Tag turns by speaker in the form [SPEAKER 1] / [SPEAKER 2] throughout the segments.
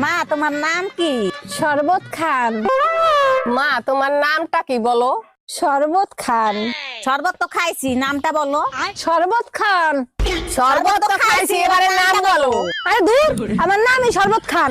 [SPEAKER 1] মা তোমার নাম কি?
[SPEAKER 2] শরবত খান।
[SPEAKER 3] মা তোমার নামটা কি বলো?
[SPEAKER 2] শরবত খান।
[SPEAKER 1] শরবত তো খাইছি, নামটা বলো।
[SPEAKER 2] শরবত খান।
[SPEAKER 3] শরবত তো খাইছি, এবারে নাম বলো।
[SPEAKER 2] আরে দূর, আমার নামই শরবত খান।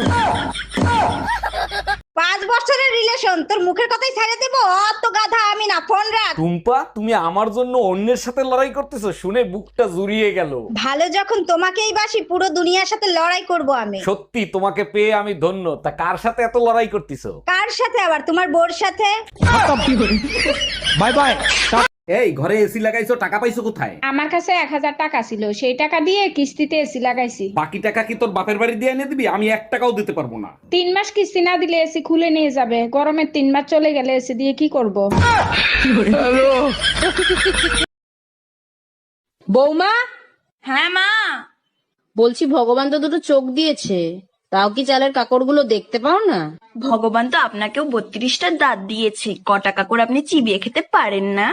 [SPEAKER 1] 5 বছরের রিলেশন, তোর মুখের কথাই ছেড়ে দেবো? অত গাধা আমি না, ফোন রাখ।
[SPEAKER 4] টুম্পা, তুমি আমার জন্য অন্যের সাথে লড়াই করতেছো শুনে বুকটা জুড়িয়ে গেল।
[SPEAKER 1] ভালো যখন তোমাকেই বাসি, পুরো দুনিয়ার সাথে লড়াই করব আমি।
[SPEAKER 4] সত্যি তোমাকে পেয়ে আমি ধন্য। তা কার সাথে এত লড়াই করতেছো?
[SPEAKER 1] কার সাথে আবার? তোমার বোর সাথে।
[SPEAKER 4] Bye bye. এই ঘরে এসি লাগাইছো, টাকা পাইছো কোথায়?
[SPEAKER 5] আমার কাছে 1000 টাকা ছিল, সেই টাকা দিয়ে কিস্তিতে এসি লাগাইছি।
[SPEAKER 4] বাকি টাকা কি তোর বাপের বাড়ি দিয়ে এনে দিবি? আমি 1 টাকাও দিতে পারবো না।
[SPEAKER 5] 3 মাস কিস্তি না দিলে এসি খুলে নিয়ে যাবে। গরমের 3 মাস চলে গেলে এসি দিয়ে কি করব?
[SPEAKER 6] বৌমা,
[SPEAKER 7] হ্যাঁ মা।
[SPEAKER 6] বলছি ভগবান তো দুটো চোখ দিয়েছে, তাও কি চালের কাকড়গুলো দেখতে পাও না?
[SPEAKER 7] ভগবান তো আপনাকেও 32টা দাঁত দিয়েছে, কটা কাকড় আপনি চিবিয়ে খেতে পারেন না?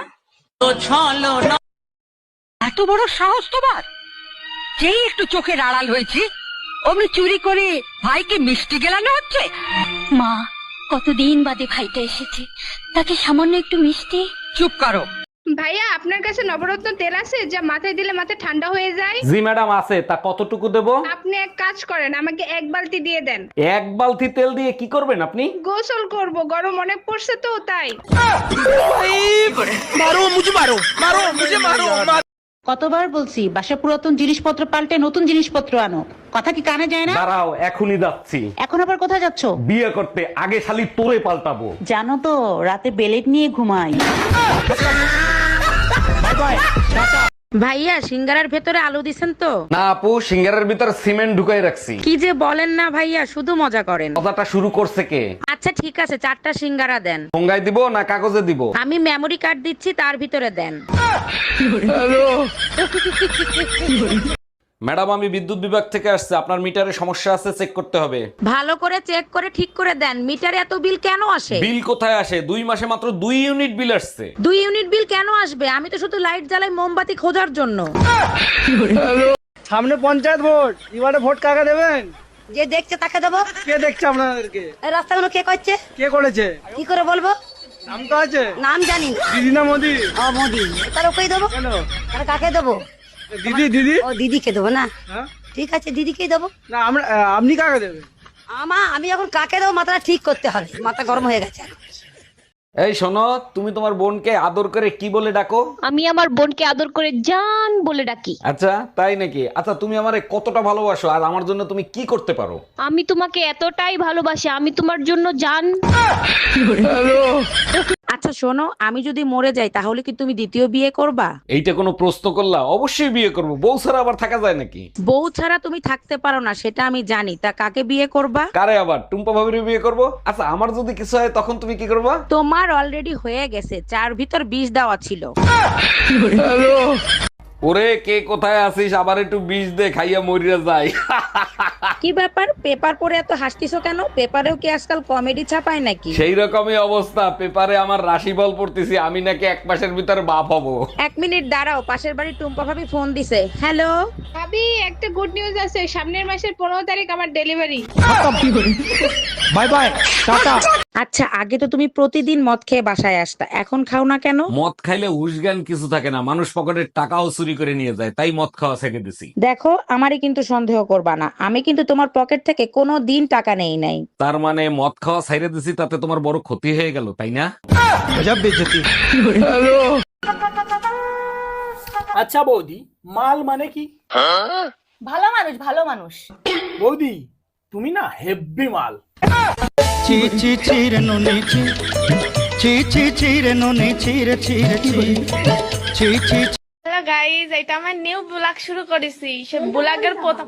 [SPEAKER 8] এত বড় সাহস তোমার! যেই একটু চোখের আড়াল হয়েছি অমনি চুরি করে ভাইকে মিষ্টি গেলানো হচ্ছে।
[SPEAKER 9] মা, কতদিন বাদে ভাইটা এসেছে, তাকে সামান্য একটু মিষ্টি।
[SPEAKER 8] চুপ করো।
[SPEAKER 5] ভাইয়া, আপনার কাছে নবরত্ন তেল আছে যা মাথায় দিলে মাথা ঠান্ডা হয়ে যায়?
[SPEAKER 4] জি ম্যাডাম আছে। তা কতটুকু দেবো?
[SPEAKER 5] আপনি এক কাজ করেন, আমাকে 1 বালতি দিয়ে দেন।
[SPEAKER 4] 1 বালতি তেল দিয়ে কি করবেন আপনি?
[SPEAKER 5] গোসল করব, গরম অনেক পড়ছে তো তাই।
[SPEAKER 10] কতবার বলছি বাসা পুরাতন জিনিসপত্র পাল্টে নতুন জিনিসপত্র আনো, কথা কি কানে যায় না?
[SPEAKER 4] দাঁড়াও, এখনই যাচ্ছি।
[SPEAKER 10] এখন আবার কোথায় যাচ্ছ?
[SPEAKER 4] বিয়ে করতে। আগে শালি তোরে পাল্টাবো।
[SPEAKER 10] জানো তো রাতে বেলেট নিয়ে ঘুমাই।
[SPEAKER 6] ভাইয়া, সিঙ্গারার ভেতরে আলু দিছেন তো?
[SPEAKER 4] না আপু, সিঙ্গারের ভিতর সিমেন্ট ঢুকাই রাখছি।
[SPEAKER 6] কি যে বলেন না ভাইয়া, শুধু মজা করেন।
[SPEAKER 4] কথাটা শুরু করছে কে?
[SPEAKER 6] আচ্ছা ঠিক আছে, 4টা সিঙ্গারা দেন।
[SPEAKER 4] ঠোঙ্গায় দিব না কাগজে দিব?
[SPEAKER 6] আমি মেমরি কার্ড দিচ্ছি, তার ভিতরে দেন।
[SPEAKER 4] ম্যাডাম, আমি বিদ্যুৎ বিভাগ থেকে আসছে। আপনার মিটারে সমস্যা আছে, চেক করতে হবে।
[SPEAKER 6] ভালো করে চেক করে ঠিক করে দেন। মিটারে এত বিল কেন আসে?
[SPEAKER 4] বিল কোথায় আসে? 2 মাসে মাত্র 2 ইউনিট বিল আসছে।
[SPEAKER 6] 2 ইউনিট বিল কেন আসবে? আমি তো শুধু লাইট জ্বালাই মোমবাতি খোঁজার জন্য।
[SPEAKER 11] সামনে পঞ্চায়েত ভোট, এবারে ভোট কাকে দেবেন?
[SPEAKER 1] যে দেখছে তাকে দেবো।
[SPEAKER 11] কে দেখছে আপনাদেরকে?
[SPEAKER 1] এই রাস্তাগুলো কে করছে?
[SPEAKER 11] কে করেছে?
[SPEAKER 1] কি করে বলবো?
[SPEAKER 11] নাম তো আছে।
[SPEAKER 1] নাম জানি।
[SPEAKER 11] দিদি না মোদি?
[SPEAKER 1] ও মোদি। তার ওকেই দেবো।
[SPEAKER 11] কেন?
[SPEAKER 1] তার কাকে দেবো?
[SPEAKER 11] দিদি দিদি।
[SPEAKER 1] ও দিদিকে দেবো না?
[SPEAKER 11] হ্যাঁ?
[SPEAKER 1] ঠিক আছে, দিদিকেই দেবো।
[SPEAKER 11] না আমরা, আপনি কাকে দেবেন?
[SPEAKER 1] আমি এখন কাকে দেবো মাথাটা ঠিক করতে হবে, মাথা গরম হয়ে গেছে।
[SPEAKER 4] এই শোনো, তুমি তোমার বোনকে আদর করে কি বলে ডাকো?
[SPEAKER 9] আমি আমার বোনকে আদর করে জান বলে ডাকি।
[SPEAKER 4] আচ্ছা তাই নাকি? আচ্ছা তুমি আমারে কতটা ভালোবাসো আর আমার জন্য তুমি কি করতে পারো?
[SPEAKER 9] আমি তোমাকে এতটাই ভালোবাসি, আমি তোমার জন্য জান।
[SPEAKER 6] আচ্ছা শোনো, আমি যদি মরে যাই তাহলে কি তুমি দ্বিতীয় বিয়ে করবা?
[SPEAKER 4] এইটা কোনো প্রশ্ন করলা? অবশ্যই বিয়ে করবো। বউ ছাড়া আবার থাকা যায় নাকি?
[SPEAKER 6] বউ ছাড়া তুমি থাকতে পারো না সেটা আমি জানি, তা কাকে বিয়ে করবা?
[SPEAKER 4] কারে আবার? টুম্পা ভাবির বিয়ে করবো। আচ্ছা আমার যদি কিছু হয় তখন তুমি কি করবা?
[SPEAKER 6] তোমার অলরেডি হয়ে গেছে, 4 ভিতর 20 দেওয়া ছিল।
[SPEAKER 4] ওরে কে কোথায় আছিস? আবার একটু বিষ দে, খাইয়া মরিয়া যায়।
[SPEAKER 6] কি ব্যাপার, পেপার পড়ে এত হাসতিছো কেন? পেপারেও কি আজকাল কমেডি ছাপায় নাকি?
[SPEAKER 4] সেই রকমই অবস্থা। পেপারে আমার রাশিফল পড়তেছি, আমি নাকি 1 মাসের ভিতরে বাপ হবো।
[SPEAKER 6] 1 মিনিট দাঁড়াও, পাশের বাড়ি টুম্পা ভাবি ফোন দিছে। হ্যালো
[SPEAKER 5] ভাবি, একটা গুড নিউজ আছে, সামনের মাসের 15 তারিখ আমার ডেলিভারি।
[SPEAKER 11] Bye bye, tata.
[SPEAKER 6] আচ্ছা, আগে তো তুমি প্রতিদিন মদ খেয়ে বাসায় আসতা, এখন খাও না কেন?
[SPEAKER 4] মদ খাইলে হুশ জ্ঞান কিছু থাকে না, মানুষ পকেটের টাকাও চুরি করে নিয়ে যায়, তাই মদ খাওয়া ছেড়ে দিছি।
[SPEAKER 6] দেখো, আমারই কিন্তু সন্দেহ করবা না, আমি কিন্তু তোমার পকেট থেকে কোনো দিন টাকা নেই নাই।
[SPEAKER 4] তার মানে মদ খাওয়া ছেড়ে দিছি, তাতে তোমার বড় ক্ষতি হয়ে গেল, তাই না?
[SPEAKER 11] আচ্ছা বৌদি, মাল মানে কি?
[SPEAKER 7] ভালো মানুষ, ভালো মানুষ।
[SPEAKER 11] বৌদি তুমি না হেব্বি মাল।
[SPEAKER 5] হ্যালো গাইস, এটা আমার নিউ ব্লগ শুরু করেছি। সে ব্লগের প্রথম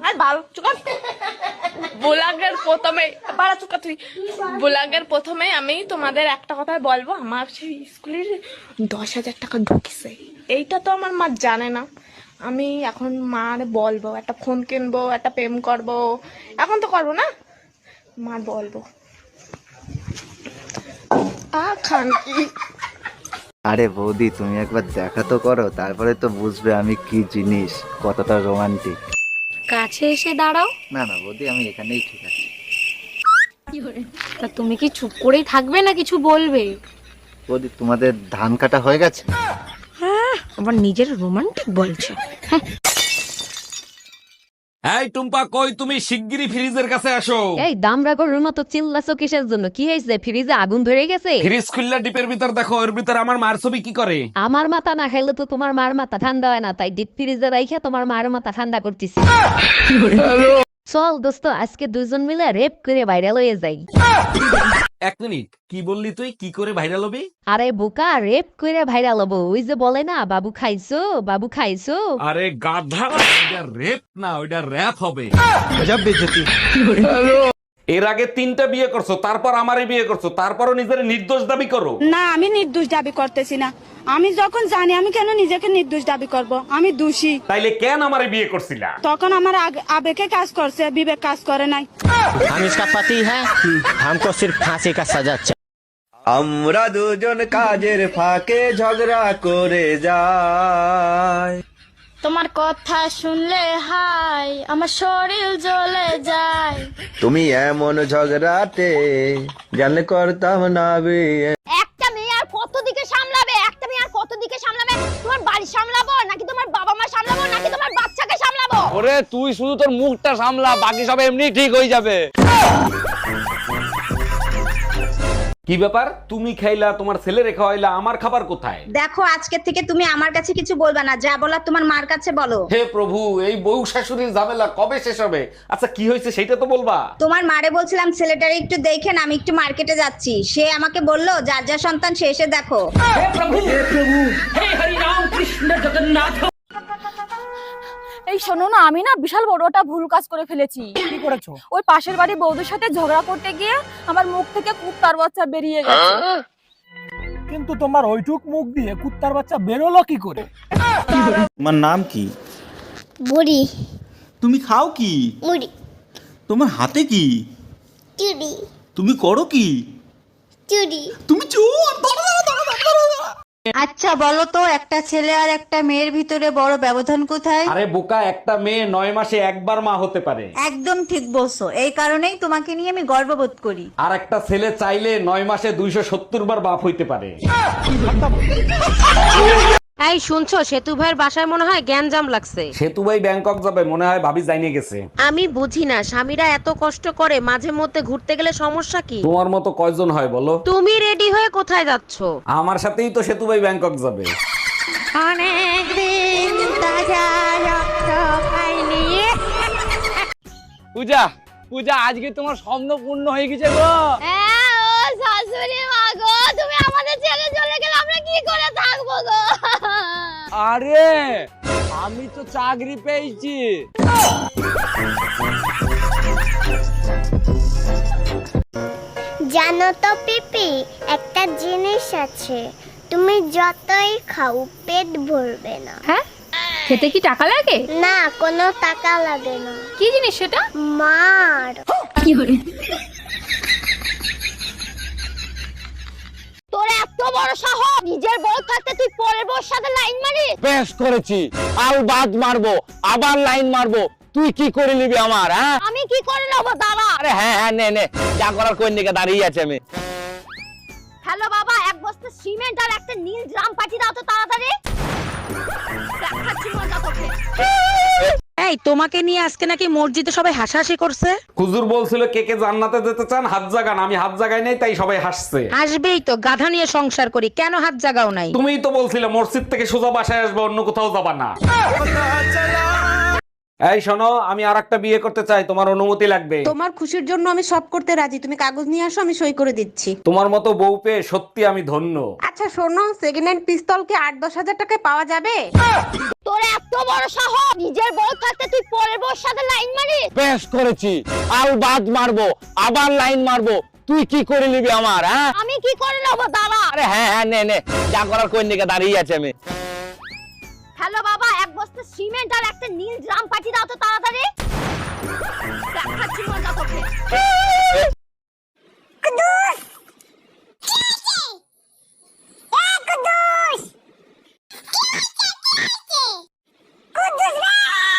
[SPEAKER 5] ব্লগের প্রথমে আমি তোমাদের একটা কথা বলবো। আমার সেই স্কুলের 10,000 টাকা ঢুকিছে, এইটা তো আমার মা জানে না। আমি এখন মার বলবো, একটা ফোন কিনবো, একটা প্রেম করবো। এখন তো করবো না, মার বলবো। খান কি?
[SPEAKER 12] আরে বৌদি, তুমি একবার দেখা তো করো, তারপরে তো বুঝবে আমি কি জিনিস, কতটা রোমান্টিক।
[SPEAKER 9] কাছে এসে দাঁড়াও।
[SPEAKER 12] না না বৌদি, আমি এখানেই ঠিক আছি।
[SPEAKER 5] তা তুমি কি চুপ করেই থাকবে না কিছু বলবে?
[SPEAKER 12] বৌদি তোমাদের ধান কাটা হয়ে গেছে?
[SPEAKER 6] আবার নিজের রোমান্টিক বলছে।
[SPEAKER 4] এই টুম্পা, কই তুমি? শিগগিরই ফ্রিজের কাছে আসো।
[SPEAKER 3] এই দামরা গরুর মতো চিল্লাছো কিসের জন্য? কি হয়েছে? ফ্রিজে আগুন ধরে গেছে?
[SPEAKER 4] ফ্রিজ খুললা ডিপের ভিতর দেখো, এর ভিতর আমার মার ছবি কি করে?
[SPEAKER 3] আমার মাথা না খাইলে তো তোমার মার মাথা ঠান্ডা হয় না, তাই ডিপ ফ্রিজে রাইখা তোমার মার মাথা ঠান্ডা করতেছি। চল দোস্ত, আজকে দুজন মিলে রেপ করে ভাইরাল হয়ে যাই।
[SPEAKER 4] এক মিনিট, কি বললি তুই? কি করে ভাইরাল হবি?
[SPEAKER 3] আরে বোকা, রেপ করে ভাইরাল হবো। ওই যে বলে না, বাবু খাইছো, বাবু খাইছো।
[SPEAKER 4] আরে গাধা, ওইটা রেপ না, ওইটা র‍্যাপ হবে। এর আগে 3টা বিয়ে করছো, তারপর আমারে বিয়ে করছো, তারপরও নিজের নির্দোষ দাবি করো।
[SPEAKER 6] না, আমি নির্দোষ দাবি করতেছি না। আমি যখন জানি, আমি কেন নিজেকে নির্দোষ দাবি করব? আমি দোষী।
[SPEAKER 4] তাইলে কেন আমারে বিয়ে করছিলা?
[SPEAKER 6] তখন আমার আবেগে কাজ করছে, বিবেক কাজ করে নাই।
[SPEAKER 11] हम इसका पति है, हमको सिर्फ फांसी का सजा चाहिए।
[SPEAKER 12] আমরা দুজন কাজের ফাঁকে ঝগড়া করে যাই।
[SPEAKER 9] তোমার কথা শুনলে হাই আমার শরীর জ্বলে যায়।
[SPEAKER 12] তুমি এমন ঝগড়াতে জানলে করতাম না বিয়ে।
[SPEAKER 1] একটা মেয়ে আর কত দিকে সামলাবে? একটা মেয়ে আর কত দিকে সামলাবে? তোমার বাড়ি সামলাবো নাকি তোমার বাবা মা সামলাবো নাকি তোমার বাচ্চাকে সামলাবো?
[SPEAKER 11] ওরে তুই শুধু তোর মুখটা সামলা, বাকি সব এমনি ঠিক হয়ে যাবে।
[SPEAKER 4] কি ব্যাপার? তুমি খাইলা, তোমার ছেলে রেখা হইলা, আমার খাবার কোথায়?
[SPEAKER 1] দেখো, আজকে থেকে তুমি আমার কাছে কিছু বলবা না, যা বলার তোমার মার কাছে বলো।
[SPEAKER 4] হে প্রভু, এই বউ শাশুড়ির ঝামেলা কবে শেষ হবে? আচ্ছা, কি হয়েছে সেটা তো বলবা।
[SPEAKER 1] তোমার মারে বলছিলাম ছেলেটারে একটু দেখেন, আমি একটু মার্কেটে যাচ্ছি। সে আমাকে বললো যার যা সন্তান সে এসে দেখো।
[SPEAKER 2] এই শোনো না, আমি না বিশাল বড় একটা ভুল কাজ করে ফেলেছি।
[SPEAKER 11] কি করেছো?
[SPEAKER 2] ওই পাশের বাড়ি বৌদির সাথে ঝগড়া করতে গিয়ে আমার মুখ থেকে কুত্তার বাচ্চা বেরিয়ে গেছে।
[SPEAKER 11] কিন্তু তোমার ওইটুক মুখ দিয়ে কুত্তার বাচ্চা বেরোলো কি করে?
[SPEAKER 12] তোমার নাম কি?
[SPEAKER 1] বুড়ি
[SPEAKER 12] তুমি খাও কি?
[SPEAKER 1] মুড়ি
[SPEAKER 12] তোমার হাতে কি?
[SPEAKER 1] চুড়ি
[SPEAKER 12] তুমি করো কি?
[SPEAKER 1] চুড়ি।
[SPEAKER 12] তুমি চোর।
[SPEAKER 1] আচ্ছা বলো তো, একটা ছেলে আর একটা মেয়ের ভিতরে বড় ব্যবধান কোথায়?
[SPEAKER 4] আরে বোকা, একটা মেয়ে 9 মাসে একবার মা হতে পারে।
[SPEAKER 1] একদম ঠিক বলছো, এই কারণেই তোমাকে নিয়ে আমি গর্ববোধ করি।
[SPEAKER 4] আর একটা ছেলে চাইলে 9 মাসে 270 বার বাপ হইতে পারে।
[SPEAKER 3] এই শুনছো, সেতু ভাইয়ের বাসায় মনে হয় গ্যাঞ্জাম লাগছে।
[SPEAKER 4] সেতু ভাই ব্যাংকক যাবে, মনে হয় ভাবি জানিয়ে গেছে।
[SPEAKER 3] আমি বুঝি না, স্বামীরা এত কষ্ট করে, মাঝে মধ্যে ঘুরতে গেলে সমস্যা কি?
[SPEAKER 4] তোমার মতো কয়জন হয় বলো?
[SPEAKER 3] তুমি রেডি হয়ে কোথায় যাচ্ছ?
[SPEAKER 4] আমার সাথেই তো সেতু ভাই ব্যাংকক যাবে।
[SPEAKER 11] পূজা, পূজা, আজকে তোমার স্বপ্ন পূর্ণ হয়ে গেছে গো।
[SPEAKER 1] শাশুড়ি মা গো, তুমি আমাদের ছেড়ে চলে গেলে আমরা কি করে থাকবো গো?
[SPEAKER 11] আরে আমি তো চাকরি পেয়েছি।
[SPEAKER 1] জানো তো পিপি, একটা জিনিস আছে, তুমি যতই খাও পেট ভরবে না।
[SPEAKER 2] হ্যাঁ, খেতে কি টাকা লাগে?
[SPEAKER 1] না, কোনো টাকা লাগে না।
[SPEAKER 2] কি জিনিস সেটা?
[SPEAKER 1] মার। তোর এত বড় সাহস, নিজের বউ থাকতে তুই পরের বউর সাথে লাইন মারিস?
[SPEAKER 11] বেশ করেছি, আল বাদ মারবো, আবার লাইন মারবো। তুই কি করে নিবি আমার? হ্যাঁ,
[SPEAKER 1] আমি কি করে নেবো? দাঁড়া।
[SPEAKER 11] আরে হ্যাঁ হ্যাঁ, নে নে, যা করার কোন দিকে দাঁড়িয়ে আছে আমি।
[SPEAKER 1] হ্যালো বাবা, এক বস্তা সিমেন্ট আর একটা নীল ড্রাম পাঠিয়ে দাও তো তাড়াতাড়ি। দেখাচ্ছি মজা তোকে।
[SPEAKER 6] এই তোমাকে নিয়ে আজকে নাকি মসজিদে সবাই হাসাহাসি করছে।
[SPEAKER 4] হুজুর বলছিল কে কে জান্নাতে যেতে চান হাত জাগান, আমি হাত জাগাই নাই, তাই সবাই হাসছে।
[SPEAKER 6] আসবেই তো, গাধা নিয়ে সংসার করি, কেন হাত জাগাও নাই?
[SPEAKER 4] তুমিই তো বলছিলে মসজিদ থেকে সোজা বাসায় আসবে, অন্য কোথাও যাবা না। এই শোনো, আমি আরেকটা বিয়ে করতে চাই, তোমার অনুমতি লাগবে।
[SPEAKER 10] তোমার খুশির জন্য আমি সব করতে রাজি, তুমি কাগজ নিয়ে আসো, আমি সই করে দিচ্ছি।
[SPEAKER 4] তোমার মতো বউ পেয়ে সত্যি আমি ধন্য।
[SPEAKER 10] আচ্ছা শোনো, সেকেন্ড হ্যান্ড পিস্তল কি 8-10 হাজার টাকায় পাওয়া যাবে?
[SPEAKER 1] তোর এত বড় সাহস, নিজের বউ থাকতে তুই পরের বউর সাথে লাইন মারিস?
[SPEAKER 11] বেশ করেছি, আল বাদ মারবো, আবার লাইন মারবো। তুই কি করে নিবি আমার? হ্যাঁ,
[SPEAKER 1] আমি কি করে নেবো? দাঁড়া।
[SPEAKER 11] আরে হ্যাঁ হ্যাঁ, নে নে, যা করার কোন দিকে দাঁড়িয়ে আছে আমি।
[SPEAKER 1] হ্যালো বাবা, এক বস্তা সিমেন্ট আর একটা নীল ড্রাম পাঠিয়ে দাও তো তাড়াতাড়ি। দেখাচ্ছি মজা তোকে। কুদুস!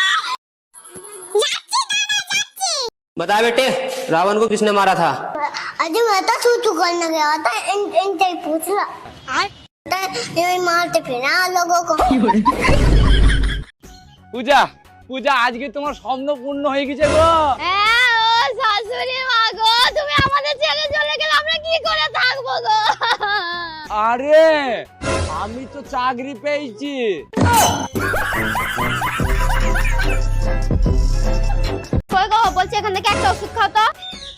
[SPEAKER 11] बता बेटे, रावण को किसने मारा था?
[SPEAKER 1] अरे मैं तो तू करने गया था इनसे पूछ ला ये मारते फिर ना लोगों को।
[SPEAKER 11] পূজা পূজা আজকে তোমার স্বপ্ন পূর্ণ হয়ে গেছে গো।
[SPEAKER 1] হ্যাঁ ও শাশুড়ি মা গো, তুমি আমাদের ছেড়ে চলে গেলে আমরা কি করে থাকবো গো?
[SPEAKER 11] আরে আমি তো চাকরি পেয়েছি।
[SPEAKER 1] কই গো, বলছি এখান থেকে একটা ওষুধ খাও তো।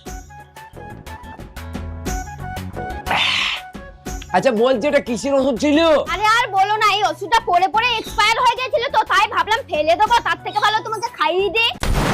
[SPEAKER 11] আচ্ছা বলছি এটা কিসের ওষুধ ছিল?
[SPEAKER 1] আরে আর বলো না, এই ওষুধটা পরে পরে এক্সপায়ার হয়ে গেছিল তো, তাই ভাবলাম ফেলে দেবো, তার থেকে ভালো তোমাকে খাইয়ে দিই।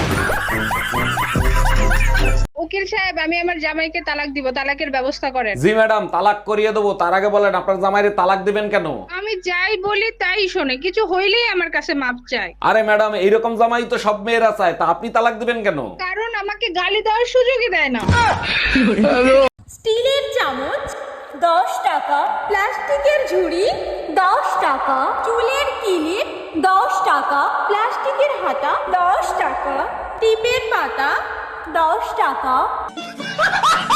[SPEAKER 6] উকিল সাহেব, আমি আমার জামাইকে তালাক দিব, তালাকের ব্যবস্থা করেন।
[SPEAKER 4] জি ম্যাডাম, তালাক করিয়ে দেবো। তার আগে বলেন আপনার জামাইরে তালাক দিবেন কেন?
[SPEAKER 6] আমি যাই বলি তাই শোনে, কিছু হইলেই আমার কাছে মাপ চায়।
[SPEAKER 4] আরে ম্যাডাম, এইরকম জামাই তো সব মেয়েরা চায়, তা আপনি তালাক দিবেন কেন?
[SPEAKER 6] কারণ আমাকে গালি দেওয়ার সুযোগই দেয় না।
[SPEAKER 2] স্টিলের চামচ 10 টাকা, প্লাস্টিকের ঝুড়ি 10 টাকা, চুলের কিলিপ 10 টাকা, প্লাস্টিকের হাতা 10 টাকা, টিপের পাতা 10 টাকা।